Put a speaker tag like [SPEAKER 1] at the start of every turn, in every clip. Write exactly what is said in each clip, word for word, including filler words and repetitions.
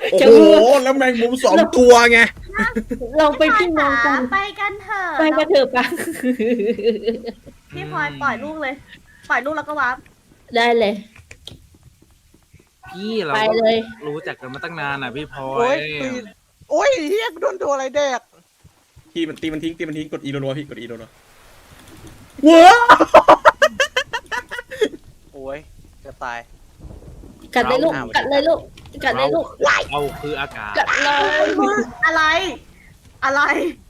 [SPEAKER 1] โอ้โหแล้วแมงมุมสองตัวไง
[SPEAKER 2] เราไปพี่น้องกัน
[SPEAKER 3] ไปกันเถอะ
[SPEAKER 2] ไปกันเถอะปะ
[SPEAKER 3] พี่พลอยปล่อยลูกเลย ปล่อยลูกแล้วก็วาร์ป
[SPEAKER 2] ได้เลย
[SPEAKER 4] พี่เรา
[SPEAKER 2] ไปเลย
[SPEAKER 4] รู้จักกันมาตั้งนานอ่ะพี่พลอ
[SPEAKER 5] โอ้
[SPEAKER 4] ย
[SPEAKER 5] ยตีโอ้ยเฮียโดนตัวอะไรแดก
[SPEAKER 1] พี่มันตีมันทิ้งตีมันทิ้งกดอีรัวๆพี่กดอีรัวๆว้า
[SPEAKER 5] โอ้ยจะตาย
[SPEAKER 2] กัดเลยลูก กัดเลยลูก กัดเลยลูก
[SPEAKER 4] เราคืออากาศ
[SPEAKER 2] กัดเลย
[SPEAKER 3] อะไร อะไร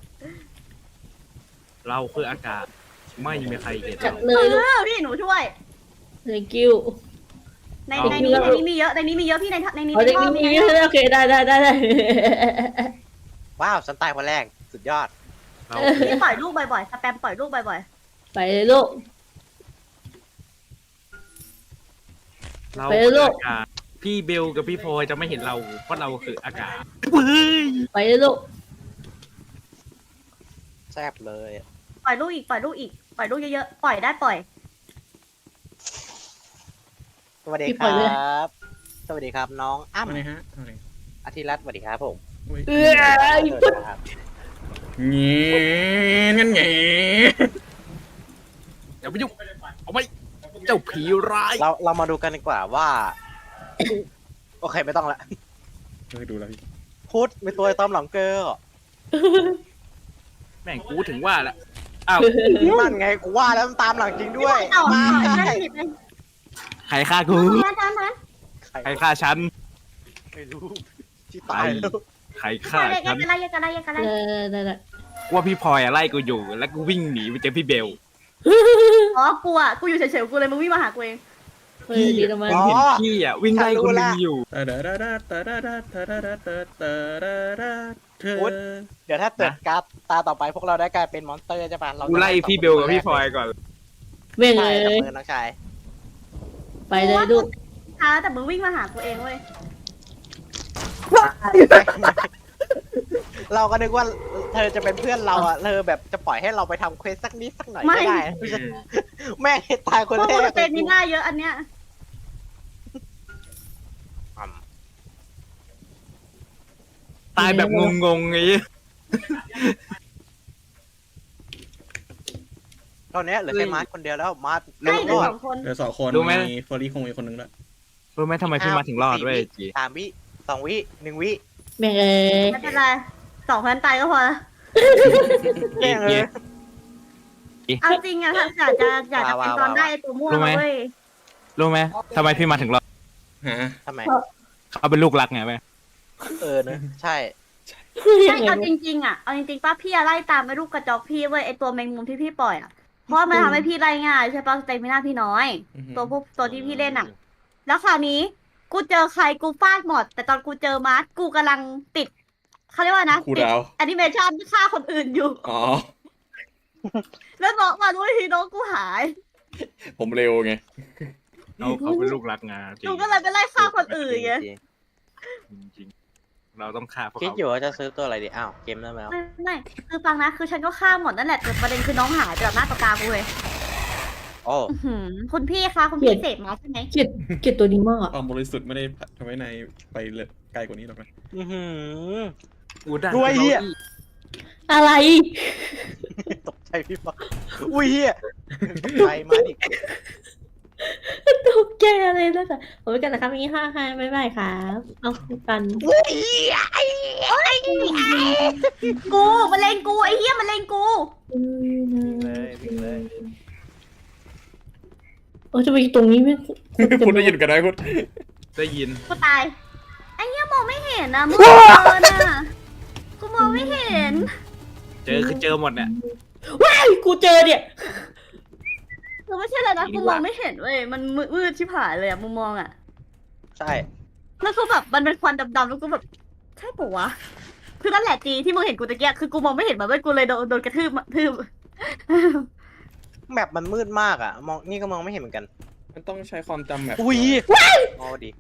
[SPEAKER 4] เราคืออากาศ ไม่มีใครเห็น
[SPEAKER 2] กัด
[SPEAKER 4] เรา
[SPEAKER 2] เลยลูก
[SPEAKER 3] เออพี่หนูช่วย
[SPEAKER 2] thank you
[SPEAKER 3] ใน
[SPEAKER 4] เอา
[SPEAKER 3] ในนี้ในนี้มีเยอะในนี้มีเยอะพี่ในในนี้
[SPEAKER 2] เอา
[SPEAKER 3] ใน
[SPEAKER 2] เด็ก
[SPEAKER 3] ห้อง
[SPEAKER 2] นี่
[SPEAKER 3] ใน
[SPEAKER 2] มี
[SPEAKER 3] ห้อง
[SPEAKER 2] โอเคได้ได้ได้ได้
[SPEAKER 5] ว้าวฉันตายคนแรกสุดยอด
[SPEAKER 4] เรา
[SPEAKER 3] พี่ปล่อยลูกบ่อยๆสแปมปล่อยลูกบ่อย
[SPEAKER 2] ไปเลยลูก
[SPEAKER 4] เรา
[SPEAKER 2] ไป
[SPEAKER 4] คือ
[SPEAKER 2] ลูก
[SPEAKER 4] อากาศพี่เบลกับพี่พลอยจะไม่เห็นเราเพราะเราคืออากาศเฮ้ย
[SPEAKER 2] ไปเลยลูก
[SPEAKER 5] แซ่บเลย
[SPEAKER 3] ๆ ปล่อยลูกอีกปล่อยลูกอีกปล่อยลูกเยอะๆ ปล่อยได้ปล่อย
[SPEAKER 5] สวัสดี
[SPEAKER 2] พี่
[SPEAKER 5] ค
[SPEAKER 2] ปล่อยเลย
[SPEAKER 5] รับ สวัสดีครับน้องอ้ำ
[SPEAKER 1] อะไรฮะอะไร
[SPEAKER 5] อาทิรัตน์สวัสดีครับผม
[SPEAKER 1] อุ้ย
[SPEAKER 2] เออ
[SPEAKER 5] สวัสดีครับ
[SPEAKER 1] เงี้ยงั้นไง
[SPEAKER 4] อย่าไปยุ่งเอาไปเจ้าผีร้าย
[SPEAKER 5] เราเรามาดูกันดีกว่าว่า โอเคไม่ต้องละ
[SPEAKER 1] เฮ้ยดูแล้วพี่
[SPEAKER 5] พุทธมีตัวตามหลังเกอร์
[SPEAKER 4] แม่งกูถึงว่าละอ้าว
[SPEAKER 5] นั่นไงกูว่าแล้วมันตามหลังจริงด้วย
[SPEAKER 3] ต่อ
[SPEAKER 5] มา
[SPEAKER 3] ต่อ
[SPEAKER 5] ใช่
[SPEAKER 3] ได้ผิดเลย
[SPEAKER 4] ใครฆ่ากู
[SPEAKER 3] มาจานนั้น
[SPEAKER 5] ใคร
[SPEAKER 4] ใครฆ่าฉัน
[SPEAKER 5] ไม่รู้ที่ตายแล้ว
[SPEAKER 4] ใคร
[SPEAKER 3] อ
[SPEAKER 4] ฆ่า
[SPEAKER 3] ย่า
[SPEAKER 4] ฉัน
[SPEAKER 3] กันอะไรอย่ากันอะไรอย่ากันอะไร
[SPEAKER 2] ได้ได้ได้
[SPEAKER 4] ว่าพี่พลอยอะไล่กูอยู่ แล้วกูวิ่งหนีไปเจอพี่เบล
[SPEAKER 3] อ๋อ กูอ่ะ กูอยู่เฉยๆ กูเลยมึงวิ่งมาหากูเอง
[SPEAKER 2] เฮ้ยดีนะมัน
[SPEAKER 4] เห็นพี่อ่ะวิ่งไล่คนหนึงอยู่
[SPEAKER 1] ตาดาดาดาตาดาดาตาดาดาตาตาดาดาเธอ
[SPEAKER 5] เดี๋ยวถ้าเกิดการ์ดตาต่อไปพวกเราได้กลายเป็นมอนสเตอร์ใช่ปะเรา
[SPEAKER 4] กูไล่พี่เบลกับพี่พลอยก่อน
[SPEAKER 2] เม่ง
[SPEAKER 5] ใช่
[SPEAKER 2] เล
[SPEAKER 5] จับ
[SPEAKER 2] ย
[SPEAKER 5] มือน้องชาย
[SPEAKER 2] ไปเลยลูก
[SPEAKER 3] ช้าแต่มึงวิ่งมาหากูเองเว้ย
[SPEAKER 5] เราก็นึกว่าเธอจะเป็นเพื่อนเราอ่ะเธอแบบจะปล่อยให้เราไปทำเควสสักนิดสักหน่อย
[SPEAKER 3] ไม่
[SPEAKER 5] ก็ได้แม่งตายคน
[SPEAKER 3] พวก
[SPEAKER 5] แร
[SPEAKER 3] มึง
[SPEAKER 5] ก
[SPEAKER 3] เป็นมีหน้าเยอะอันเนี้ย
[SPEAKER 4] ตายแบบงงๆไง
[SPEAKER 5] ตอนนี้เหลือแค่มาร์ทคนเดียวแล้วมาร์ท
[SPEAKER 3] ใช่เหลือ
[SPEAKER 5] รอ
[SPEAKER 3] ส
[SPEAKER 5] ด
[SPEAKER 3] องคน
[SPEAKER 1] เดี๋ยวสองคนมีเฟอร์รี่คงมีคนนึงแล้ว
[SPEAKER 4] รู้ไหมทำไมพี่มาถึงรอดเว้ยจี
[SPEAKER 5] สามวิสองวิหนึ่งวิ
[SPEAKER 2] แม่งเลย
[SPEAKER 3] ไม่เป็นไรสองคนตายก็พอละ
[SPEAKER 5] แม่งเลย
[SPEAKER 3] เอาจริงอะถ้าอยากจะอยากจะเป็นตอนได้ไอ้ตัวม่วงเว้ย
[SPEAKER 4] รู้ไหมทำไมพี่มาถึงรอด
[SPEAKER 1] ฮะ
[SPEAKER 5] ทำไม
[SPEAKER 4] เขาเป็นลูกรักไงแม่
[SPEAKER 5] เออเนอะใช่
[SPEAKER 3] ใช่เอาจริงๆอะเอาจริงๆป้าพี่อะไล่ตามไอ้ลูกกระจอกพี่เว้ยไอ้ตัวแมงมุมที่พี่ปล่อยอะเพราะว่ามันทำให้พี่ไล่ง่ายใช่ปะสเตมิน่าพี่น้อย ตัวพวกตัวที่พี่เล่นอะแล้วคราวนี้ กูเจอใครกูฟาดหมด แต่ตอนกูเจอมาร์ทกูกำลังติดเขาเรียกว่านะ
[SPEAKER 1] ครู
[SPEAKER 3] ติด
[SPEAKER 1] ดาว
[SPEAKER 3] แอนิเมชันฆ่าคนอื่นอยู่
[SPEAKER 1] อ๋อ
[SPEAKER 3] แล้วบอกมาด้วยทีน้องกูหาย
[SPEAKER 1] ผมเร็วไง
[SPEAKER 4] เขาเขาเป็นลูกรักไงจริง
[SPEAKER 3] กูก็เลยไปไล่ฆ่าคนอื่นไง
[SPEAKER 4] จริงๆเราต้องฆ่าพวก
[SPEAKER 5] คิด
[SPEAKER 4] เขา
[SPEAKER 5] อยู่ว่าจะซื้อตัวอะไรดีอ้าวเกมเริ่มแล้ว
[SPEAKER 3] ไม่ไม่คือฟังนะคือฉันก็ฆ่าหมดนั่นแหละแต่ประเด็นคือน้องหายไปแบบหน้าตากากูเลย
[SPEAKER 5] โอ้
[SPEAKER 3] อื้อหือคุณพี่คะคุณพี่เสพมาใช่ไหม
[SPEAKER 2] เกลียดเกลียดตัวนี้มากอ่ะ
[SPEAKER 1] ความบริสุทธิ์ไม่ได้ทำให้นายไปเลยไกลกว่านี้หรอกนะ
[SPEAKER 5] อื้อหือ
[SPEAKER 4] กูได้
[SPEAKER 5] ด้วยเหี้ย
[SPEAKER 2] อะไร
[SPEAKER 5] ตกใจพี่ฟังอุ้ยเฮียตกใจมาดิ
[SPEAKER 2] ตกใจอะไรแล้วกันผมไปกันนะครับมีห้าห้าบ๊ายบายครับเอากัน
[SPEAKER 5] อุ้ย
[SPEAKER 3] กูมันเลงกูไอ้เหี้ยมันเลงกู
[SPEAKER 5] เลยวิ่งเลย
[SPEAKER 2] เออจะไปตรงนี้ไหม
[SPEAKER 1] คุณได้ยินกันไหมคุณ
[SPEAKER 4] ได้ยิน
[SPEAKER 3] กูตายไอ้เหี้ยมองไม่เห็นนะมึงเดินอ่ะกูมองไม่เห็น
[SPEAKER 4] เจอคือเจอหมดเนี่ย
[SPEAKER 2] ว้ายกูเจอเนี่ย
[SPEAKER 3] คือไม่ใช่เลยนะกูมองไม่เห็นเว้ยมันมืดชิบหายเลยอะมุมมองอะ
[SPEAKER 5] ใช่
[SPEAKER 3] แล้วคือแบบมันเป็นควันดำๆแล้วกูแบบใช่ปะวะคือนั่นแหละจีที่มึงเห็นกูตะเกียคือกูมองไม่เห็นมันเว้ยกูเลยโดนโดนกระทืบทืบ
[SPEAKER 5] แมปมันมืดมากอ่ะมองนี่ก็มองไม่เห็นเหมือนกัน
[SPEAKER 1] มันต้องใช้ความจำแบบ
[SPEAKER 5] อุ้ยอ๋อดี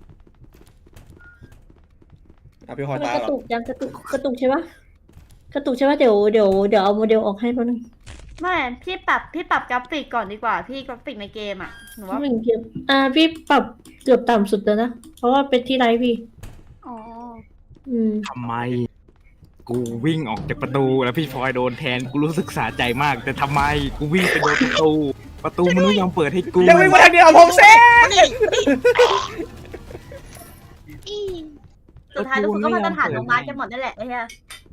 [SPEAKER 1] อ่ะพี่พลอย
[SPEAKER 2] มัน
[SPEAKER 1] ตาย
[SPEAKER 2] กระ
[SPEAKER 1] เหรอ
[SPEAKER 2] ตุกยังกระตุกกระตุกใช่ปะกระตุกใช่ปะเดี๋ยวเดี๋ยวเดี๋ยวเอาโมเดลออกให้แป๊บนึง
[SPEAKER 3] ไม่พี่ปรับพี่ปรับกราฟิกก่อนดีกว่าพี่กราฟิกในเกมอะหนูว่า
[SPEAKER 2] หนึ่งเกมอ่าพี่ปรับเกือบต่ำสุดแล้วนะเพราะว่าเป็นที่ไลฟ์พี่
[SPEAKER 3] อ๋อ
[SPEAKER 2] อืม
[SPEAKER 4] ทำไม กูวิ่งออกจากประตูแล้วพี่พลอยโดนแทนกูรู้สึกสะใจมาก แต่ทำไมกูวิ่งไปโดนประตู ประตูมันไม่ยอมเปิดให้กู
[SPEAKER 1] ยังวิ่งมาทางเดียวผมเซ่
[SPEAKER 3] สุดท้ายทุกคนก็มาตรฐานลงมากันหมดนั่นแหละไอ้เหี้ย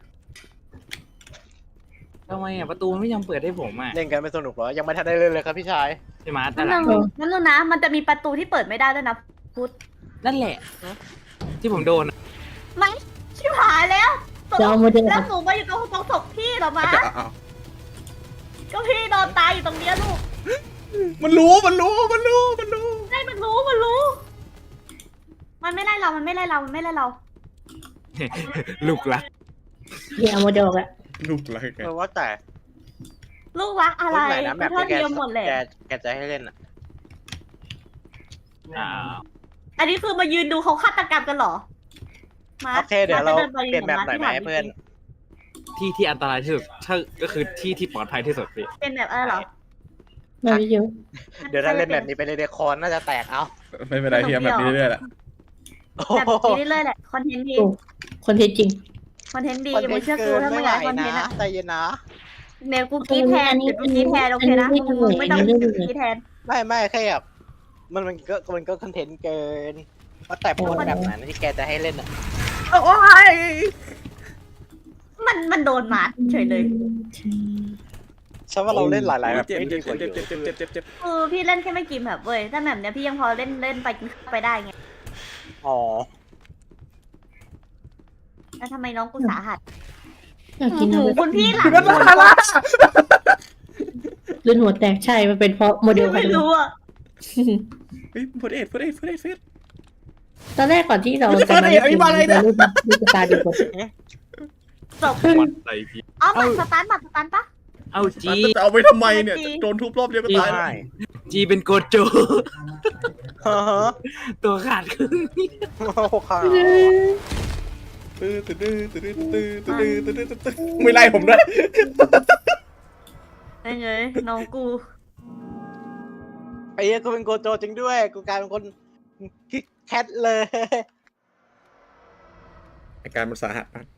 [SPEAKER 4] ทำไมอ่ะประตูมันไม่ยอมเปิดให้ผมอ่ะ
[SPEAKER 5] เล่นกันไม่สนุกเหรอยังไม่ทันได้เล่นเลยครับพี่ชาย
[SPEAKER 4] ใช่ไหมแต่
[SPEAKER 3] นั่น
[SPEAKER 4] ละ
[SPEAKER 3] นึงนั่นนึงนะ มันจะมีประตูที่เปิดไม่ได้ด้วยนะพุทธ
[SPEAKER 4] นั่นแหละ ที่ผมโดนอะ
[SPEAKER 3] ไม่ชิบหายแล้วตก
[SPEAKER 2] จะเอาโมเดล
[SPEAKER 3] แล้วหนูมาอยู่ตรงตรงศพพี่เหรอมา
[SPEAKER 1] จะเอา
[SPEAKER 3] ก็พี่นอนตายอยู่ตรงเนี้ยลูก
[SPEAKER 1] มันรู้มันรู้มันรู้มันรู้
[SPEAKER 3] ได้มันรู้มันรู้ มันไม่ไล่เรา มันไม่ไล่เรา มันไม่ไล่เรา
[SPEAKER 4] ลูกรัก
[SPEAKER 2] เดี๋ยวเอาโมเดลอะ
[SPEAKER 1] ลูกรักไง
[SPEAKER 5] เออว่าแต่
[SPEAKER 3] ลูกรักอะไร
[SPEAKER 5] รุ่นไหนนะแบบ
[SPEAKER 3] เท่า
[SPEAKER 5] ที่แก
[SPEAKER 3] เทียมหมดแหละ
[SPEAKER 5] แกแกจะให้เล่นอ่ะ
[SPEAKER 4] อ่า
[SPEAKER 3] อันนี้คือมายืนดูเขาฆาตกรรมกันเหรอ มา
[SPEAKER 5] โอเคเดี๋ยวเรา
[SPEAKER 3] จะดิไป
[SPEAKER 5] เปลี่ยนแบบหน่อยไหม
[SPEAKER 3] ที่
[SPEAKER 5] เพื่อน
[SPEAKER 4] ที่ที่อันตรายที่สุดถ้าก็คือที่ที่ปลอดภัยที่สุดพี่
[SPEAKER 3] เป็นแบบอะไรเหรอ
[SPEAKER 2] มาไม่เยอะ
[SPEAKER 5] เดี๋ยวถ้าเล่นแบบนี้ไปเลยเดคอนน่าจะแตกเอา
[SPEAKER 1] ไม่เป็นไรพี่แบบนี้เรื่อยๆแหละ
[SPEAKER 5] โอ้
[SPEAKER 3] แบบ
[SPEAKER 5] โห
[SPEAKER 3] นี้เรื่อยๆแหละ คอนเทนต์ดี
[SPEAKER 2] โอ้คนเท็จจริง
[SPEAKER 3] คอนเทนต์ดี
[SPEAKER 5] คอนเท
[SPEAKER 3] มึ
[SPEAKER 5] น
[SPEAKER 3] ง
[SPEAKER 5] ต์
[SPEAKER 3] เชื่อกู
[SPEAKER 5] เกิน
[SPEAKER 3] ถ้ามึ
[SPEAKER 5] ไม่
[SPEAKER 3] ง
[SPEAKER 5] ไห
[SPEAKER 3] อากคอน
[SPEAKER 5] วยนะ
[SPEAKER 3] เทนต์อะ
[SPEAKER 5] ใจเย็นนะ
[SPEAKER 3] เดี๋ยวกูกรีดแทนเดี๋ยวกูกรีดแทนโอเคนะ
[SPEAKER 2] อันนี้
[SPEAKER 3] มึงไม่ต้อง
[SPEAKER 2] อันนี้
[SPEAKER 3] กรีดแทน
[SPEAKER 5] ไม่ไม่แค่แบบมันมันก็มันก็คอนเทนต์เกินว่าแต่พูดแบบไหนนะที่แกจะให้เล่นอ่ะ
[SPEAKER 1] โอ้ย
[SPEAKER 3] มันมันโดนมาเฉยเลย
[SPEAKER 5] ฉันว่าเราเล่นหลายๆแบบ
[SPEAKER 1] เจ็บ
[SPEAKER 5] ไม่
[SPEAKER 1] เจ็
[SPEAKER 5] ดี
[SPEAKER 1] บ
[SPEAKER 5] กว่าเย
[SPEAKER 1] เจ็บเจ็บ
[SPEAKER 5] อะ
[SPEAKER 1] เจ็บเจ็บเจ็บ
[SPEAKER 3] คือพี่เล่นแค่ไม่กี่แบบเว้ยถ้าแบบเนี้ยพี่ยังพอเล่นเล่นไปกินข้าวไปได้ไง
[SPEAKER 5] อ๋อ
[SPEAKER 3] แล้วทำไมน้องกูสาหัส
[SPEAKER 2] อยากกิน
[SPEAKER 3] ห
[SPEAKER 2] อะ
[SPEAKER 3] มู
[SPEAKER 2] ไร
[SPEAKER 3] คุณพี่หลัง
[SPEAKER 1] คือนั่นลาลา
[SPEAKER 2] ลื่นหัวแตกใช่ มันเป็นเพราะโมเดล
[SPEAKER 3] ไม่รู้อ่ะ
[SPEAKER 1] เฮ้ยเฟิร์สเอ็ดเฟิร์สเอ็ดเฟิร์สเอ็ดเฟิร์ส
[SPEAKER 2] ตอนแรกก่อนที่เรา
[SPEAKER 1] ไม่ใช่
[SPEAKER 2] จะมา
[SPEAKER 1] เฟิร์สเอ็ดอันนี้มาอะไรเนี่ย
[SPEAKER 2] รูปรูปตาดูก่อน
[SPEAKER 3] จบ
[SPEAKER 4] วัดใจพี่
[SPEAKER 3] เอาบัตรสตาร์ทบัตรสตาร์ทปะ
[SPEAKER 4] เอาจี
[SPEAKER 1] จะเอาไปทำไมเนี่ยโดนทุบรอบเดียวก็ตาย
[SPEAKER 5] ใช่
[SPEAKER 4] จีเป็นโกโจ
[SPEAKER 5] ฮะฮะ
[SPEAKER 4] ตัวขาดครึ่ง
[SPEAKER 5] โอ้โหค่ะ
[SPEAKER 1] ตื้อตื้อตื้อตื้อตื้อตื้อตื้อตื้อตื้อไม่ไล่ผมด้วย
[SPEAKER 3] ไอ้เงยน้องกู
[SPEAKER 5] ไอ้เหี้ยกูเป็นโกโจจริงด้วยกูกลายเป็นคนคิกแคทเลย
[SPEAKER 1] อาการมันสาหัสมาก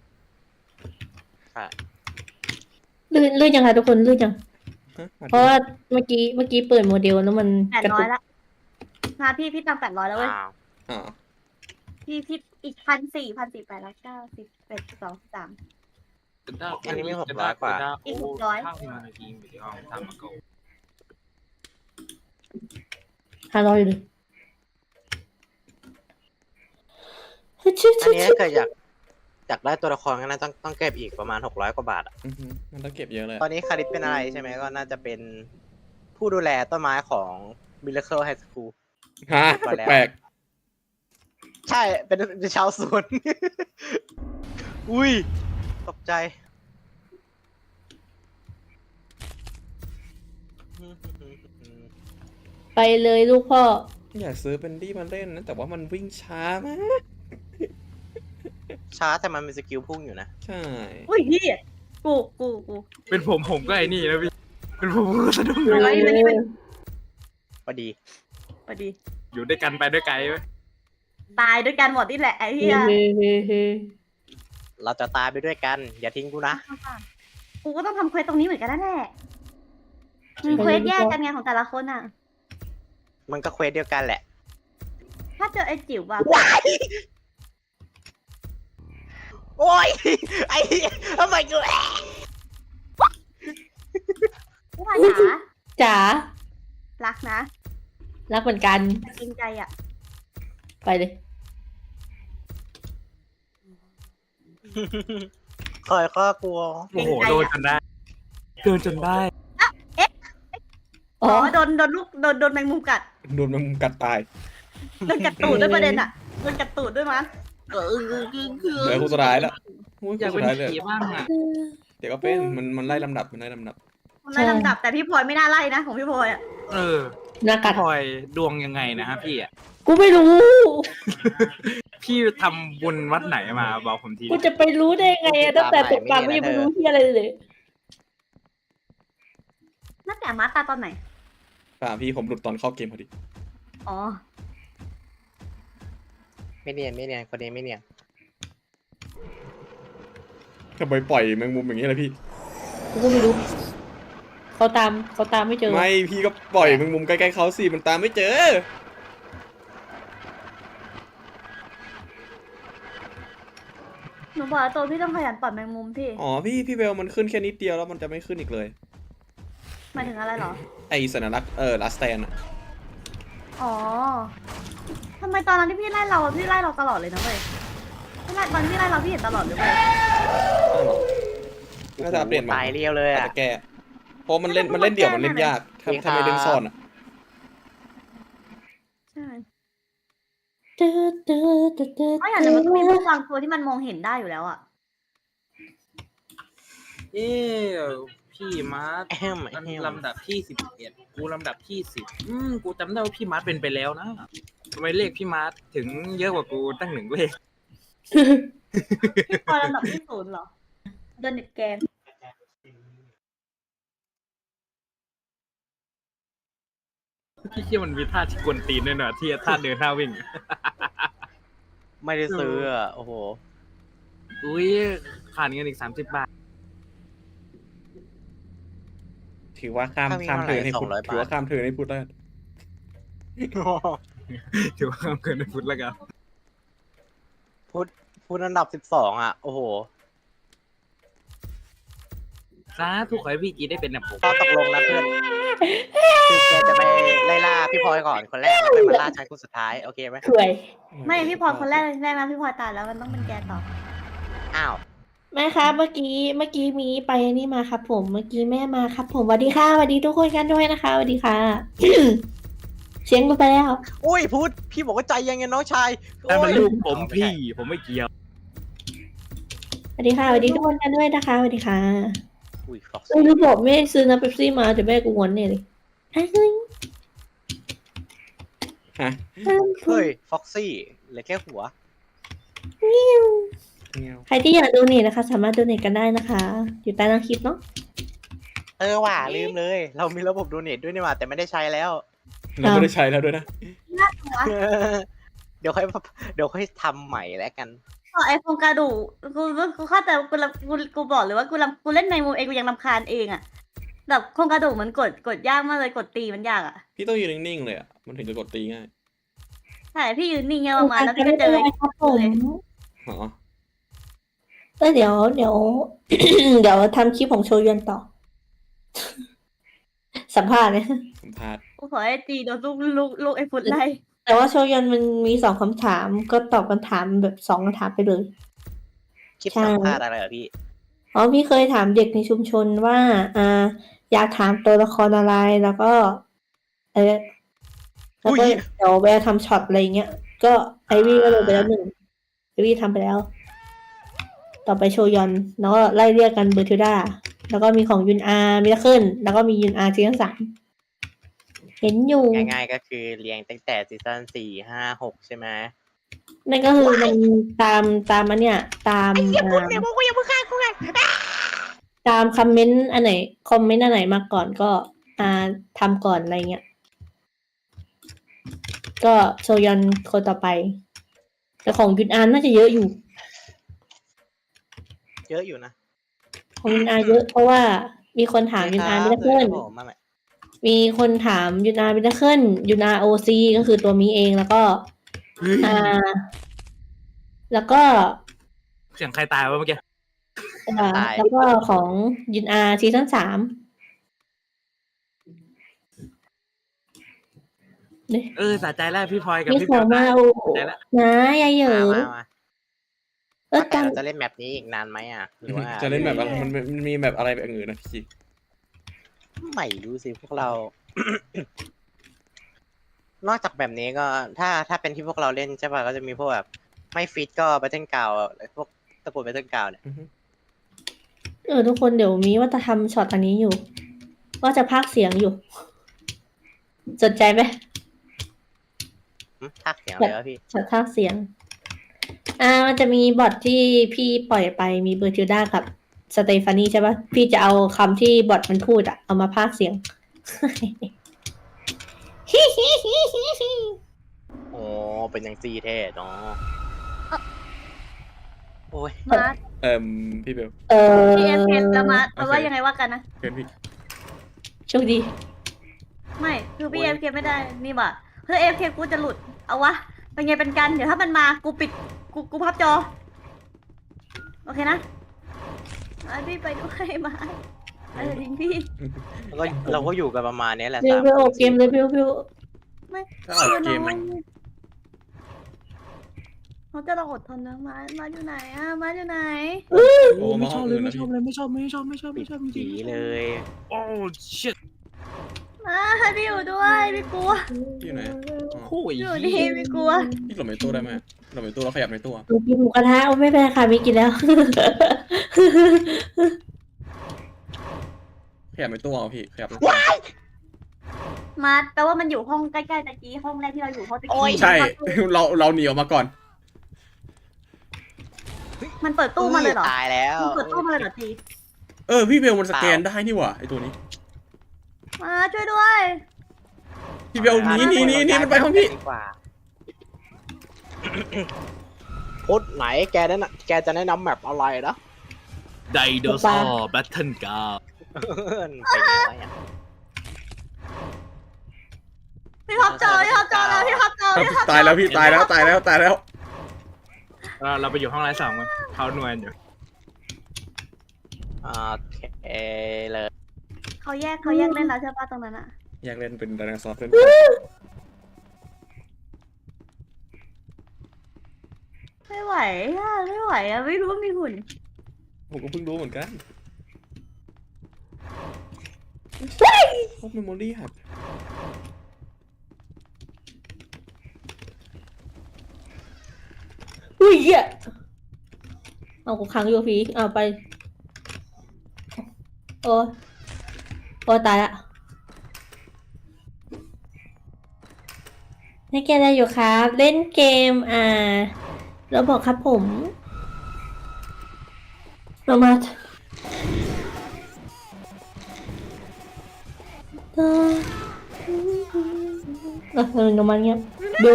[SPEAKER 2] ลื่นลื่นยังคะทุกคนลื่นยัง
[SPEAKER 1] ฮะ
[SPEAKER 2] เพราะว่าเมื่อกี้เมื่อกี้เปิดโมเดลแล้วมัน
[SPEAKER 3] แปด
[SPEAKER 2] กระ
[SPEAKER 3] ร้อ
[SPEAKER 2] ตุ
[SPEAKER 3] ย
[SPEAKER 2] ก
[SPEAKER 3] ละมาพี่พี่ตังแปดร้อยแล้วเว้ย
[SPEAKER 5] อ้าว
[SPEAKER 1] อ๋อ
[SPEAKER 3] พี่พี่อีกพันสี่พันสี่แปดร้อยเก้าสิบเอ็ดสองสาม
[SPEAKER 5] อันนี้ไม่หกร้อยกว่า
[SPEAKER 3] อีกหกร้อย
[SPEAKER 2] ห้าร้อยอยู่เลย
[SPEAKER 5] อันนี้ถ้าเกิดอยากอยากได้ตัวละครก็น่าต้องต้องเก็บอีกประมาณหกร้อยกว่าบาทอะ
[SPEAKER 1] อือฮึมันต้องเก็บเยอะเลย
[SPEAKER 5] ตอนนี้คาริสเป็นอะไรใช่ไหมก็น่าจะเป็นผู้ดูแลต้นไม้ของ Miracle High School
[SPEAKER 1] ฮะแปลก
[SPEAKER 5] ใช่เป็นเป็นชาวสวน อุ้ยตกใจ
[SPEAKER 2] ไปเลยลูกพ่อ
[SPEAKER 1] อยากซื้อเป็นดี้มาเล่นนะแต่ว่ามันวิ่งช้ามาก
[SPEAKER 5] ช้าแต่มันมีสกิลพุ่งอยู่นะ
[SPEAKER 1] ใช่
[SPEAKER 3] อุ้ยพี่กูกูกู
[SPEAKER 4] เป็นผมผมก็ไอ้นี่แล้วพี่เป็นผมก็สะดุ้ง
[SPEAKER 3] อะไรมันนี่เป็น
[SPEAKER 5] พอดี
[SPEAKER 3] พอดี
[SPEAKER 4] อยู่ด้วยกันไปด้วยไกลไหม
[SPEAKER 3] ตายด้วยกันหมดนี่แหละไอ้เหี้ย
[SPEAKER 2] เฮ้เฮ้เฮ้
[SPEAKER 5] เราจะตายไปด้วยกัน อย่าทิ้งกูนะ
[SPEAKER 3] กูก็ต้องทำเควสตรงนี้เหมือนกันนั่นแหละมันเควสแยกกันไงของแต่ละคนอ่ะ
[SPEAKER 5] มันก็เควสเดียวกันแหละ
[SPEAKER 3] ถ้าเจอไอ้จิ๋วแบบ
[SPEAKER 5] ว้ายโอ้ย ไอ้ทำไมกู
[SPEAKER 3] ผู้พันจ๋า
[SPEAKER 2] จ๋า
[SPEAKER 3] รักนะ
[SPEAKER 2] รักเหมือนกัน
[SPEAKER 3] แต่จริงใจอ่ะ
[SPEAKER 2] ไปเลย
[SPEAKER 5] คอยข้อกลัว
[SPEAKER 4] โอ้โหโดนจนได้โดนจนได้
[SPEAKER 2] อ๋
[SPEAKER 3] อ๋
[SPEAKER 2] อ
[SPEAKER 3] อโดนโดนลูกโดนโดนแมงมุมกัด
[SPEAKER 1] โดนมันกัดตาย
[SPEAKER 3] โดนกัดตูดด้วยประเด็นอ่ะโดนกัดตูดด้วยมั้ง
[SPEAKER 1] เหลือคู่สุดท้ายแล้วคู่
[SPEAKER 4] อยาก
[SPEAKER 1] สุ
[SPEAKER 4] เป็
[SPEAKER 1] ด
[SPEAKER 4] น
[SPEAKER 1] ท้ายเลย
[SPEAKER 4] ผีบ้างอ่ะ
[SPEAKER 1] เดี๋ยวก็เป็นมันมันไล่ลำดับมันไล่ลำดับ
[SPEAKER 3] มันไล่ลำดับแต่พี่พลอยไม่น่าไล่นะของพี่พลอยอ่ะ
[SPEAKER 4] เออ
[SPEAKER 2] หน้ากัด
[SPEAKER 4] พลอยดวงยังไงนะฮะพี่อ่ะ
[SPEAKER 2] กูไม่รู้
[SPEAKER 4] พี่ทำบุญวัดไหนมาบอกผมที
[SPEAKER 2] กูจะไปรู้ได้ไงอะตั้งแต่ตกปลากูยังไม่รู้ที่อะไรเลย
[SPEAKER 3] น่าแต่มาตาตอนไหน
[SPEAKER 1] ป่าพี่ผมหลุดตอนเข้าเกมพอดี
[SPEAKER 3] อ๋อ
[SPEAKER 5] ไม่เนียนไม่เนียนคนนี้ไม่เนียน
[SPEAKER 1] ทำไมปล่อยแมงมุมอย่างนี้ล่ะพี่
[SPEAKER 2] กูก็ไม่รู้เขาตามเขาตามไม่เจอ
[SPEAKER 1] ไม่พี่ก็ปล่อยแมงมุมใกล้ๆเขาสิมันตามไม่เจอ
[SPEAKER 3] หนูบอกว่าตัวพี่ต้องขยันปล่อยแมงมุมพี่
[SPEAKER 1] อ๋อพี่พี่เบลมันขึ้นแค่นิดเดียวแล้วมันจะไม่ขึ้นอีกเลย
[SPEAKER 3] หมายถึงอะไรเหรอ
[SPEAKER 1] ไอสัญลักษณ์เออลาสแตนอะ
[SPEAKER 3] อ๋อทำไมตอนนั้นที่พี่ไล่เราอะพี่ไล่เราตลอดเลยนะเว้ยพี่ไล่ตอนที่พี่ไล่เราพี่เห็นตลอดเลยเว้ย
[SPEAKER 1] น่าจะอัปเดตมา
[SPEAKER 5] ตายเรียวเลย
[SPEAKER 1] อาจ
[SPEAKER 5] อ่ะ
[SPEAKER 1] จะแก้เพราะมันเล่นมันเล่นเดี่ยวมันเล่นยากถ้า
[SPEAKER 5] จริง
[SPEAKER 1] ถ้าไม่เล่น
[SPEAKER 5] ครับ
[SPEAKER 1] ซ่อนอะ
[SPEAKER 3] ใช่
[SPEAKER 2] ตื้อตื้อตื้อตื้อ
[SPEAKER 3] เพราะอย่างนั้นมันก็มีพวกบางตัวที่มันมองเห็นได้อยู่แล้วอะ
[SPEAKER 4] เอ๊ะพี่มาร์ท
[SPEAKER 5] แอม
[SPEAKER 4] มัน
[SPEAKER 5] แอม
[SPEAKER 4] ลำดับที่สิบเอ็ดกูลำดับที่สิบอืมกูจำได้ว่าพี่มาร์ทเป็นไปแล้วนะทำไมเลขพี่มาร์ทถึงเยอะกว่ากูตั้งหนึ่งเลข
[SPEAKER 3] พี่พอลำดับที่ศูนย์เหรอโดนเน็ตแกน
[SPEAKER 4] พี่เชื่อมันมีท่าที่กวนตีนด้วยนะที่ท่าเดินท่าวิ่ง
[SPEAKER 5] ไม่ได้ซื้ออ่ะโอ้โห
[SPEAKER 4] อุ้ยขาดเงินอีกสามสิบบาท
[SPEAKER 1] ถือว่าข้าม
[SPEAKER 5] ถ้ามี
[SPEAKER 1] ข้าม
[SPEAKER 5] เท่าไหร่
[SPEAKER 1] เธอให้พูด
[SPEAKER 5] สองร้อย
[SPEAKER 1] ถือว่า
[SPEAKER 5] บาท
[SPEAKER 1] ข้ามเธอให้พูดได้
[SPEAKER 4] ถือว่าเกินไปฟุตแล้วกัน
[SPEAKER 5] พูดพูดอันดับสิบสองอ่ะโอ้โห
[SPEAKER 4] สาธุขอให้พี่จีได้เป็นแบบผม
[SPEAKER 5] ก็ตกลงนะเพื่อนคือแกจะไปไล่ล่าพี่พลอยก่อนคนแรกแล้วค่อยมาล่าฉันคนสุดท้ายโอเคไหม
[SPEAKER 2] ข่วย
[SPEAKER 3] ไม่พี่พลอยคนแรกแรกนะพี่พลอยตายแล้วมันต้องเป็นแกต่อ
[SPEAKER 5] อ้าว
[SPEAKER 2] แม่ครับเมื่อกี้เมื่อกี้มีไปนี่มาครับผมเมื่อกี้แม่มาครับผมสวัสดีค่ะสวัสดีทุกคนกันด้วยนะคะสวัสดีค่ะ เสียงไปแล้ว
[SPEAKER 5] อุ้ยพูดพี่บอกว่าใจเย็นไงน้องชาย
[SPEAKER 4] แต่มัน
[SPEAKER 5] โอ้ย
[SPEAKER 4] ลูกผมพี่ผมไม่เกี่ยว
[SPEAKER 2] สวัสดีค่ะสวัสดีทุกคนกันด้วยนะคะสวัสดีค่ะ
[SPEAKER 5] อุ้ยฟ็อก
[SPEAKER 2] เอ้ยรู้บอกแม่ซื้อน้ำเป๊ปซี่มาเดี๋ยวแม่กูงอนเนี่ยเลยเฮ้ย
[SPEAKER 1] ฮะ
[SPEAKER 5] เฮ้ยฟ็อกซี่เหลือแค่หัว
[SPEAKER 2] ใครที่อยากดูนี่นะคะ สามารถดูนี่กันได้นะคะ อยู่ใต้ล่างคลิปเนาะ
[SPEAKER 5] เออว่ะลืมเลย เรามีระบบโดเนทด้วยนี่หว่าแต่ไม่ได้ใช้แล้ว
[SPEAKER 1] เราไม่ได้ใช้แล้วด้วยนะ
[SPEAKER 3] น่าหัว
[SPEAKER 5] เดี๋ยวค่อยเดี๋ยวค่อยทำใหม่แล้วกัน
[SPEAKER 3] ต่อไอโฟนกระดูกกูกูเข้าใจกูรำกูกูบอกเลยว่ากูรำกูเล่นในมุมเองกูยังรำคาญเองอะแบบโครงกระดูกมันกดกดยากมากเลยกดตีมันยากอะ
[SPEAKER 1] พี่ต้องยืนนิ่งๆเลยอ่ะมันถึงจะกดตีง่าย
[SPEAKER 3] ใช่พี่ยืนนิ่งเงี้ยประมาณแล้วพี่ก็เจอ
[SPEAKER 2] ครับผม
[SPEAKER 1] อ๋อ
[SPEAKER 2] เออเดี๋ยวเดี๋ยว เดี๋ยวทำคลิปของโชยุนต่อ สัมภาษณ์เนี่ย
[SPEAKER 1] สัมภาษณ์
[SPEAKER 3] กูขอให้ตีโดนลูกลูกลูกไอ้ฟุตไล่
[SPEAKER 2] แต่ว่าโชยุนมันมีสองคำถามก็ตอบคำถามแบบสองคำถามไปเลย
[SPEAKER 5] คลิป
[SPEAKER 2] ใช่
[SPEAKER 5] สัมภาษณ์อะไรเหรอพี่
[SPEAKER 2] อ๋อพี่เคยถามเด็กในชุมชนว่า อ่า อยากถามตัวละครอะไรแล้วก็ เออแล้วก็
[SPEAKER 5] อุ๊ย
[SPEAKER 2] เดี๋ยวแวะทำช็อตอะไรเงี้ย ก็ไอวี่ก็เลยไปแล้วหนึ่งไอวี่ทำไปแล้ว ต่อไปโชยอน แล้วก็ไล่เรียกกันเบอร์ทิวดาแล้วก็มีของยุนอาร์มิราเคิลแล้วก็มียุนอาร์ซีซั่นสามเห็นอยู่
[SPEAKER 5] ง่ายๆก็คือเรียงตั้งแต่ซีซั่นสี่ห้าหกใช่ไหม
[SPEAKER 2] นั่นก็คือมันตามตามอันเนี้ยตามอ่า
[SPEAKER 5] กูยังเพิ่งฆ่ากูไง
[SPEAKER 2] ตามคอมเมนต์อันไหนคอมเมนต์อันไหนมาก่อนก็ อ่าทำก่อนอะไรเงี้ย ก็โชยอนคนต่อไป แต่ของยุนอาร์น่าจะเยอะอยู่
[SPEAKER 5] เยอะอยู่นะ
[SPEAKER 2] ของยุนอาร์เยอะเพราะว่ามีคนถามยุนอาร์มิราเคิล
[SPEAKER 5] ครับผมมาใหม่
[SPEAKER 2] มีคนถามยุนอาร์มิราเคิลยุนอาร์โอซีก็คือตัวมีเองแล้วก็ อ่า แล้วก็
[SPEAKER 4] เสียงใครตายวะเมื่อกี้
[SPEAKER 2] อ่าแล้วก็ของยุนอาร์ซีซั่นสามเนี่ย
[SPEAKER 4] เออสะใจแล้วพี่พลอยกับ
[SPEAKER 2] มี
[SPEAKER 4] พี่
[SPEAKER 2] ของมาโอ้โห
[SPEAKER 4] ได้แล้ว
[SPEAKER 2] นะยายเหยอ
[SPEAKER 5] มามามา
[SPEAKER 2] เออ
[SPEAKER 5] แต่
[SPEAKER 2] กัน
[SPEAKER 5] เราจะเล่นแมปนี้อีกนานไหมอ่ะหรือว่า
[SPEAKER 1] จะเล่นแบบอะไรมันมันมีแบบอะไรแบบอื่นนะพี่
[SPEAKER 5] ไม่รู้สิพวกเรา นอกจากแบบนี้ก็ถ้าถ้าเป็นที่พวกเราเล่นใช่ป่ะก็จะมีพวกแบบไม่ฟิตก็บัตเทิลกาวพวกตะปูบัตเทิลกาวเนี่ย
[SPEAKER 1] อือฮึ
[SPEAKER 2] เออทุกคนเดี๋ยวมีว่าจะทำช็อตอันนี้อยู่ ว่าจะพากย์เสียงอยู่ สนใจไหม
[SPEAKER 5] หึทักเสียงเลยวะพี่
[SPEAKER 2] ช็อตพากย์เสียง อ่ามันจะมีบอทที่พี่ปล่อยไปมีเบอร์ทิลดากับสเตฟานีใช่ปะพี่จะเอาคำที่บอทมันพูดอะเอามาพากย์เสียง
[SPEAKER 5] โอ้เป็นยังซีเท่เนาะโอ้ย
[SPEAKER 3] มา
[SPEAKER 1] เอ่มพี่เบล
[SPEAKER 2] เออ
[SPEAKER 3] พี่เอฟเคจะมา
[SPEAKER 1] โอ
[SPEAKER 3] แปล
[SPEAKER 1] เค
[SPEAKER 3] ว่ายังไงว่ากันนะ
[SPEAKER 1] เพื่อนพี่
[SPEAKER 2] โชคดี
[SPEAKER 3] ไม่คือพี่
[SPEAKER 1] โอ้
[SPEAKER 3] เอย ฟเคไม่ได้นี่ว่ะเพื่อเอฟเคกูจะหลุดเอาวะเป็นไงเป็นกันเดี๋ยวถ้ามันมากูปิดกูกูพับจอโอเคนะไอพี่ไปด้วยมาเออทิ้งพี่
[SPEAKER 5] แล้วก็เราก็อยู่กันประมาณนี้แหละ
[SPEAKER 2] เบล
[SPEAKER 5] สาม
[SPEAKER 2] เบลออกเกมเลยเบลเบล
[SPEAKER 3] ไม่
[SPEAKER 1] ถ้าออกเกม
[SPEAKER 3] เขาจะลองอดทนนะมามาอยู่ไหนอ่ะมาอยู่ไหน
[SPEAKER 1] โอ้
[SPEAKER 4] ไม่
[SPEAKER 1] มา
[SPEAKER 4] ช
[SPEAKER 1] ห้
[SPEAKER 4] อ
[SPEAKER 1] อบ ง
[SPEAKER 4] เล
[SPEAKER 1] อื่
[SPEAKER 4] ย
[SPEAKER 1] น
[SPEAKER 4] ไม่
[SPEAKER 1] นะ
[SPEAKER 4] ชอ
[SPEAKER 1] พี่
[SPEAKER 4] บเลยไม่ชอบไม่ชอบไม่ชอบไม่ชอบไม่ชอบจริง
[SPEAKER 5] ผีเลย
[SPEAKER 4] ๆโอ้ shit
[SPEAKER 3] มาพี่อยู่ด้วยพี่กลัว
[SPEAKER 1] พี่อยู่ไหนอ๋อ
[SPEAKER 4] โอ้ย
[SPEAKER 3] อยู่นี่พี่กลัว
[SPEAKER 1] พี่หลบในตู้ได้ไหมหลบในตู้แล้วขยับในตู้อะ
[SPEAKER 2] หนูกินหมูกระทะเอาไม่เป็นไรค่ะไม่กินแล้ว
[SPEAKER 1] ขยับในตู้เอาพี่ขยับในตู้
[SPEAKER 3] มาแปลว่ามันอยู่ห้องใกล้ๆตะกี้ห้องแรกที่เราอยู่ห้องตะ
[SPEAKER 5] โอ้
[SPEAKER 3] กี้
[SPEAKER 5] ย
[SPEAKER 1] ใช่ เราเราหนีออกมาก่อน
[SPEAKER 3] มันเปิดตู้มาเลยเหรอ
[SPEAKER 5] ตายแล้ว
[SPEAKER 3] มันเปิดตู้มาเลยเหรอจี
[SPEAKER 1] เออพี่เบลมันสแกนได้นี่หว่าไอตัวนี้
[SPEAKER 3] มาช่วยด้วย
[SPEAKER 1] พี่เบลหนีหนีหนีหนีมันไปห้องพี่
[SPEAKER 5] ดีกว่าพุธไหนแกแนะนำแกจะแนะนำแมปอะไรนะ
[SPEAKER 4] ไดโนเสาร์แบทเทิลการ์
[SPEAKER 5] เป็นยังไงวะเนี่ย
[SPEAKER 3] พี่พับจอพี่พับจอแล้วพี่พับจอพี่พับจอ
[SPEAKER 1] ตายแล้วพี่ตายแล้วตายแล้วตายแล้ว
[SPEAKER 4] เราเราไปอยู่ห้องไร้สองมั้งเท้านวลอยู่
[SPEAKER 5] โอเคเลย
[SPEAKER 3] เขาแยกเขาแยกเล่นแล้วใช่ปะตรงนั้นอะ
[SPEAKER 1] อยากเล่นเป็นไดโนเสาร์เล่น
[SPEAKER 3] ไม่ไหวอะไม่ไหวอะไม่รู้ว่ามีหุ่น
[SPEAKER 1] ผมก็เพิ่งรู้เหมือนกันพวกเมมโมรี่หัก
[SPEAKER 2] อุ้ยเหี้ยเอากูขังอยู่ผีเอาไปโอ้ยโอ้ยตายละเล่นเกมอะไรอยู่ครับ เล่นเกมอ่าเราบอกครับผมเรามาเออเออเออน้ำมันเงี้ยดู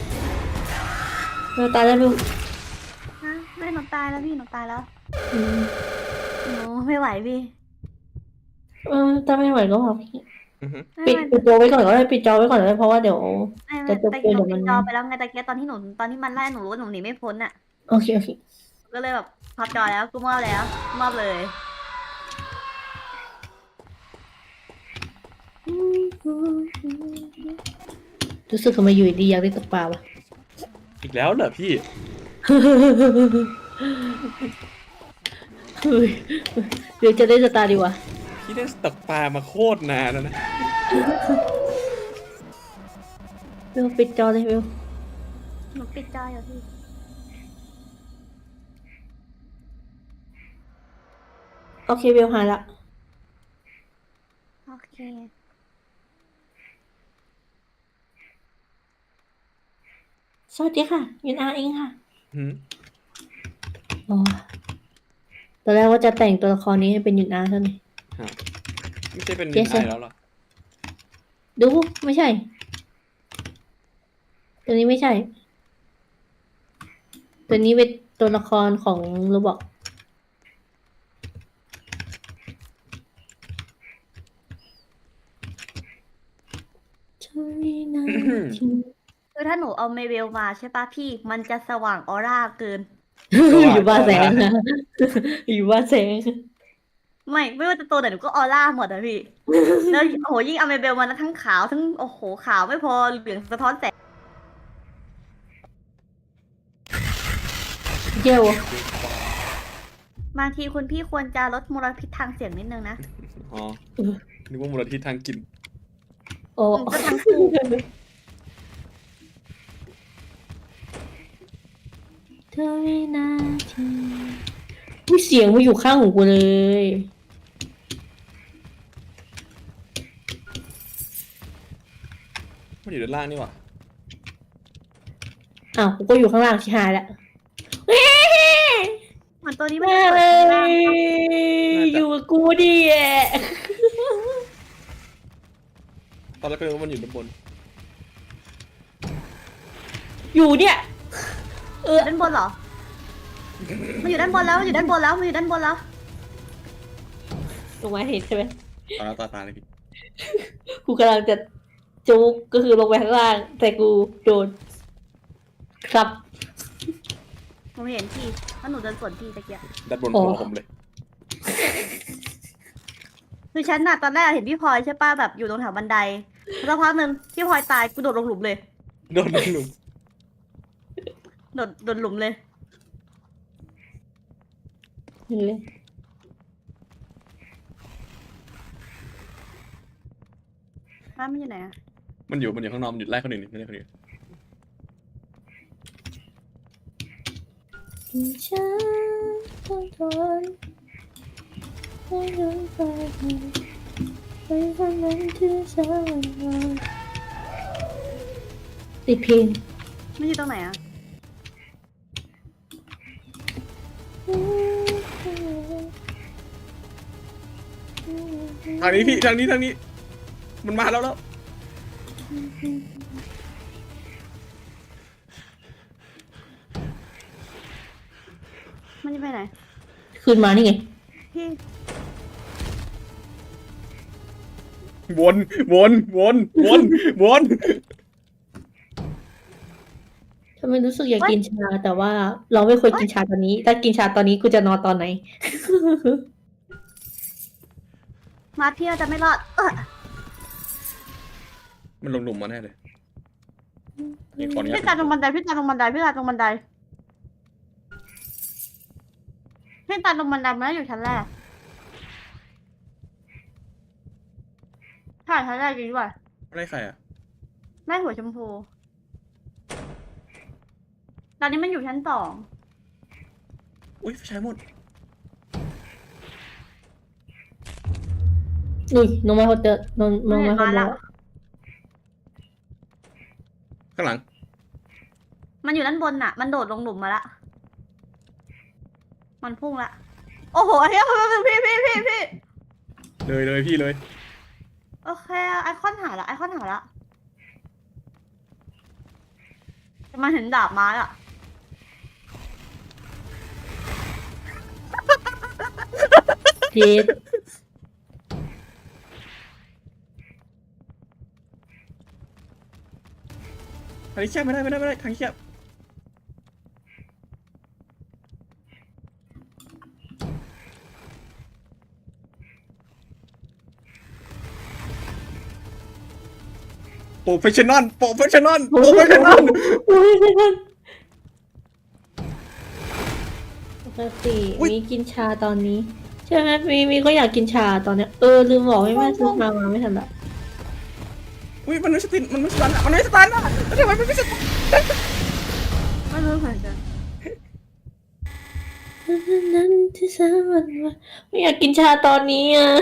[SPEAKER 2] เราตายแล้วดู
[SPEAKER 3] ฮะไม่หนูตายแล้วพี่หนูตายแล้ว
[SPEAKER 2] อืม
[SPEAKER 3] หนูไม่ไหวพี่
[SPEAKER 2] เออถ้าไม่ไหวก็บอกพี่
[SPEAKER 1] อือฮึ
[SPEAKER 3] ไม่
[SPEAKER 2] ปิด
[SPEAKER 3] ไหว
[SPEAKER 2] ปิดตัวไว้ก่อนก็ได้ปิดจอไว้ก่อนก็ได้เพราะว่าเดี๋ยว
[SPEAKER 3] ไม่ไม่
[SPEAKER 2] จะจบ
[SPEAKER 3] ตะ
[SPEAKER 2] เก
[SPEAKER 3] กี้
[SPEAKER 2] ม
[SPEAKER 3] หนู
[SPEAKER 2] เดี๋ยวมัน
[SPEAKER 3] ปิดจอไปแล้วไงตะกี้ตอนที่หนูตอนที่มันไล่หนูรู้ว่าหนูหนีไม่พ้นอะ
[SPEAKER 2] โอเคโอเค
[SPEAKER 3] ก็เลยแบบพับจอแล้วกูมอบแล้วมอบเลย
[SPEAKER 2] รู้สึกทำไมอยู่ดีอยากได้ตกปลาวะ
[SPEAKER 1] อีกแล้วเหรอพี่
[SPEAKER 2] เฮ้ยเดี๋ยวจะได้สตาร์ดีวะ
[SPEAKER 1] พี่ได้ตกปลามาโคตรนานแล้วนะ
[SPEAKER 2] เบลปิดจอเลยเบล
[SPEAKER 3] หนูปิดจออยู่พี่
[SPEAKER 2] โอเคเบลหายละ
[SPEAKER 3] โอเค
[SPEAKER 2] สวัสดีค่ะยุนอาเองค่ะ
[SPEAKER 1] หืม
[SPEAKER 2] อ๋อตอนแรกว่าจะแต่งตัวละครนี้ให้เป็นยุนอาเท่านี้
[SPEAKER 1] ฮะไม่ใช่เป็น
[SPEAKER 2] Yes,
[SPEAKER 1] ไอ
[SPEAKER 2] sir
[SPEAKER 1] แล้วเหรอ
[SPEAKER 2] ดูไม่ใช่ ตัวนี้ไม่ใช่ ตัวนี้เป็นตัวละครของโรบอก
[SPEAKER 3] คือถ้าหนูเอาเมเวลมาใช่ปะพี่ มันจะสว่างออร่าเกิน
[SPEAKER 2] อยู่บ้านแสงนะ อยู่บ้านแสง
[SPEAKER 3] ไม่ไม่ว่าจะตัวไหนหนูก็ออร่าหมดอะพี่ แล้วโอ้โหยิ่งเอาเมเบลมานะทั้งขาวทั้งโอ้โหขาวไม่พอเหลืองสะท้อนแสง
[SPEAKER 2] เยี่ยว
[SPEAKER 3] บางทีคุณพี่ควรจะลดมลพิษทางเสียงนิดนึงนะ
[SPEAKER 1] อ๋อนึกว่ามลทิศทางกลิ่น
[SPEAKER 2] โอ้
[SPEAKER 3] ก็ทั้งคู่
[SPEAKER 2] เธอวินาทีอุ้ยเสียงมาอยู่ข้างหูกูเลย
[SPEAKER 1] มันอยู่ด้านล่างนี่หว่า
[SPEAKER 2] อ้าวกูก็อยู่ข้างล่างชิหายแล้ว
[SPEAKER 3] เหมือนตัวนี้มัน
[SPEAKER 2] มา
[SPEAKER 3] จะ
[SPEAKER 2] เล
[SPEAKER 3] เปิดข้างล่าง
[SPEAKER 2] ยอยู่กับกูดิแอะ
[SPEAKER 1] ตอนแรกก็นึกว่ามันอยู่ด้านบน
[SPEAKER 2] อยู่เนี่ย เออ
[SPEAKER 3] ด้านบนเหรอมันอยู่ด้านบนแล้วมันอยู่ด้านบนแล้วมันอยู่ด้านบนแล้ว
[SPEAKER 2] ลงมาเห็นใช่ไหม
[SPEAKER 1] ตอนแล้วต่อตาเลยพี่
[SPEAKER 2] กูกำลังจะจุกก็คือลงไปข้างล่าง แต่กูโดนครับ
[SPEAKER 3] ผมเห็นพี่เพราะหนูเดินสวนพี่ตะเกียบ
[SPEAKER 1] ด้านบน
[SPEAKER 2] อ๋อ
[SPEAKER 1] หัวผมเลย
[SPEAKER 3] คือฉันน่ะตอนแรกเห็นพี่พลอยใช่ป่ะแบบอยู่ตรงแถวบันไดแล้วพักหนึ่งพี่พลอยตายกูโดดลงหลุมเลย
[SPEAKER 1] โดนหนุ่ม
[SPEAKER 3] โดดโดดหลุมเลย
[SPEAKER 2] เห็นเลย
[SPEAKER 3] อ้าวมันอยู่ไหนอะ
[SPEAKER 1] มันอยู่มันอยู่ข้างนอกมันหยุดไล่คนอื่นไม่ได้คนอื่น
[SPEAKER 2] ฉันต้องทนให้ย้อนไปไปวันนั้นที่ฉันวันติดเพลง
[SPEAKER 3] มันอยู่ตรงไหนอะ
[SPEAKER 1] ทางนี้พี่ทางนี้ทางนี้ มันมาแล้วแล้ว
[SPEAKER 3] มันจะไปไหน
[SPEAKER 2] คืนมานี่ไง
[SPEAKER 3] พี่
[SPEAKER 1] วนวนวนวนวน
[SPEAKER 2] ทำไมรู้สึกอยากกินชา แต่ว่าเราไม่ควรกินชาตอนนี้ ถ้ากินชาตอนนี้กูจะนอนตอนไหน
[SPEAKER 3] มาเที่ยวจะไม่รอดเออ
[SPEAKER 1] มันลงหลุมมาแน่เลยนี่ขออนุญา
[SPEAKER 3] พี่
[SPEAKER 1] ต
[SPEAKER 3] ตาลงบันไดพี่ตาลงบันไดพี่ตาลงบันไดพี่ตาลงบันไดมันอยู่ชั้นแรกใช่ชั้นแรกจริงด้วย
[SPEAKER 1] อะไรใครอ่ะ
[SPEAKER 3] แม่หัวชมพูตอนนี้มันอยู่ชั้นสอง
[SPEAKER 1] อุ้ยไฟฉายหมด
[SPEAKER 2] อุ้ยลงมาคนเดินลงลงมาคนเดียว
[SPEAKER 1] ข้างหลัง
[SPEAKER 3] มันอยู่ด้านบนน่ะ มันโดดลงหลุมมาละมันพุ่งละโอ้โหเฮ้ยพี่พี่พี่พี่
[SPEAKER 1] เลยเลยพี่เลย
[SPEAKER 3] โอเคไอคอนหายละไอคอนหายละจะมาเห็นดาบไม้อะ
[SPEAKER 2] เจ็ด
[SPEAKER 1] ทางนี้แคบไม่ได้ไม่ได้ไม่ได้ทางนี้แคบโปรเฟชชั่นอลโปรเฟชชั่นอลโปรเฟชชั่นอล
[SPEAKER 2] โอ้ยไม่ทันปกติมีกินชาตอนนี้ ใช่ไหมมีมีก็อยากกินชาตอนเนี้ย เออลืมบอกให้แม่ซื้อมามาไม่ทันละ
[SPEAKER 1] อุ้ยมันไม่สตินมันไม่สตันอะมันไม่สตันอะแล้วทำไมมันไม่สตัน
[SPEAKER 3] ไม่รู้เหมือนกัน
[SPEAKER 2] นั้นที่สามวันว่าไม่อยากกินชาตอนนี้อ่ะ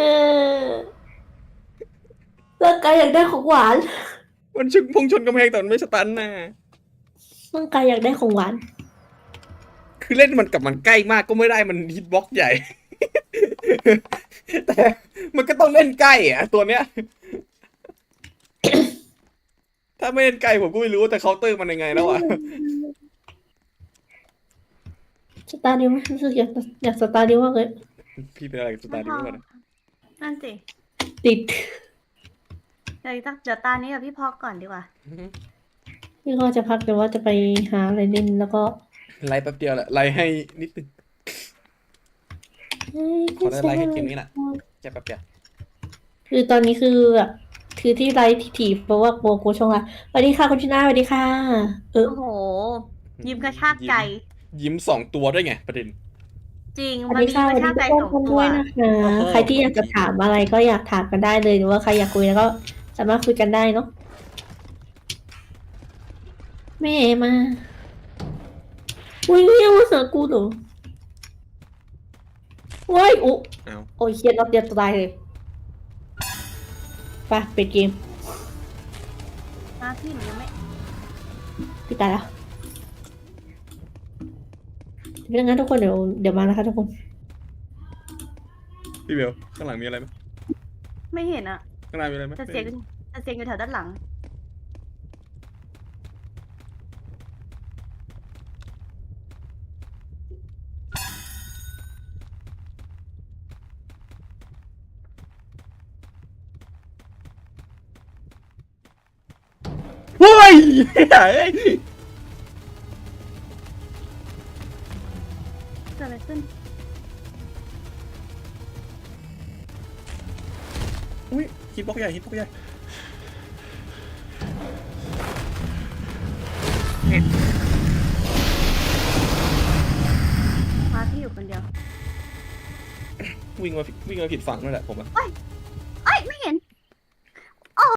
[SPEAKER 2] ร่างกายอยากได้ของหวาน
[SPEAKER 1] มันชนพุ่งชนกำแพงแต่มันไม่สตันนะ
[SPEAKER 2] ร่างกายอยากได้ของหวาน
[SPEAKER 1] คือเล่นมันกับมันใกล้มากก็ไม่ได้มันฮิตบ็อกซ์ใหญ่ แต่มันก็ต้องเล่นใกล้อะตัวเนี้ย ถ้าไม่เล่นใกล้ผมก็ไม่รู้แต่เคาน์เตอร์มันยังไงแล้วอะ
[SPEAKER 2] สตาร์ดิวไหมรู้สึกอยากอยากสตาร์ดิวมากเลย
[SPEAKER 1] พี่เป็นอะไรกับสตาร์ดิวก่อนนะ
[SPEAKER 3] นั่นสิ
[SPEAKER 2] ติด
[SPEAKER 3] เดี๋ยวตั้งเดี๋ยวตานี้กับพี่พอกก่อนดีกว่า
[SPEAKER 2] พี่ก็จะพักแต่ว่าจะไปหาอะไรเล่นแล้วก็
[SPEAKER 1] ไลฟ์แป๊บเดียวแหละไลฟ์ให้นิดนึงขอได้ไลฟ์ให้เกมนี้แหละแค่แป๊บเดียว
[SPEAKER 2] คือตอนนี้คือแบบคือที่ไลฟ์ถี่ๆเพราะว่าโกโกชงอ่ะสวัสดีค่ะคุณชนะสวัสดีค่ะ เออ
[SPEAKER 3] โอ้โห ยิ้มกระชากใจ
[SPEAKER 1] ยิ้มสองตัวด้วยไงประเด็น
[SPEAKER 3] จริง
[SPEAKER 2] สวั
[SPEAKER 3] มั
[SPEAKER 2] ส
[SPEAKER 3] น
[SPEAKER 2] ดี
[SPEAKER 3] มี
[SPEAKER 2] ค่ะ
[SPEAKER 3] ก
[SPEAKER 2] สวั
[SPEAKER 3] ระ
[SPEAKER 2] ส
[SPEAKER 3] ชา
[SPEAKER 2] ดี
[SPEAKER 3] ก
[SPEAKER 2] ทุ
[SPEAKER 3] ใจ
[SPEAKER 2] ก
[SPEAKER 3] สอง
[SPEAKER 2] คน
[SPEAKER 3] ตั
[SPEAKER 2] ด้
[SPEAKER 3] ว
[SPEAKER 2] วยนะคะ
[SPEAKER 1] โอ้โห
[SPEAKER 2] ใครที่อยากจะถามอะไรก็อยากถามกันได้เลยหรือว่าใครอยากคุยแล้วก็สามารถคุยกันได้เนาะแม่มาอุ้ยเนี่ยมาหากูเหรอว้ายอุ๊
[SPEAKER 1] อ้าว
[SPEAKER 2] โอ้ยเฮียรอบเดียวตายเลยไปปิดเกม
[SPEAKER 3] นะพี่หนูยังไม่
[SPEAKER 2] ปิดตายแล้วเป็นงั้นทุกคนเดี๋ยวเดี๋ยวมานะคะทุกคน
[SPEAKER 1] พี่เบลข้างหลังมีอะไรไหม
[SPEAKER 3] ไม่เห็นอะ
[SPEAKER 1] ข้างหน้ามีอะไรไหม
[SPEAKER 3] แต่เสียงแต่เสียงอยู่แถวด้านหลัง
[SPEAKER 1] เฮ้ยเฮ้ย
[SPEAKER 3] เกิดอะไรขึ้น
[SPEAKER 1] อุ้ยฮิตบล็อกใหญ่ฮิตบล็อกใหญ่
[SPEAKER 3] มาพี่อยู่คนเดียว
[SPEAKER 1] วิ่งมาวิ่งมาผิดฝั่งนั่นแหละผมอะ
[SPEAKER 3] เฮ้ย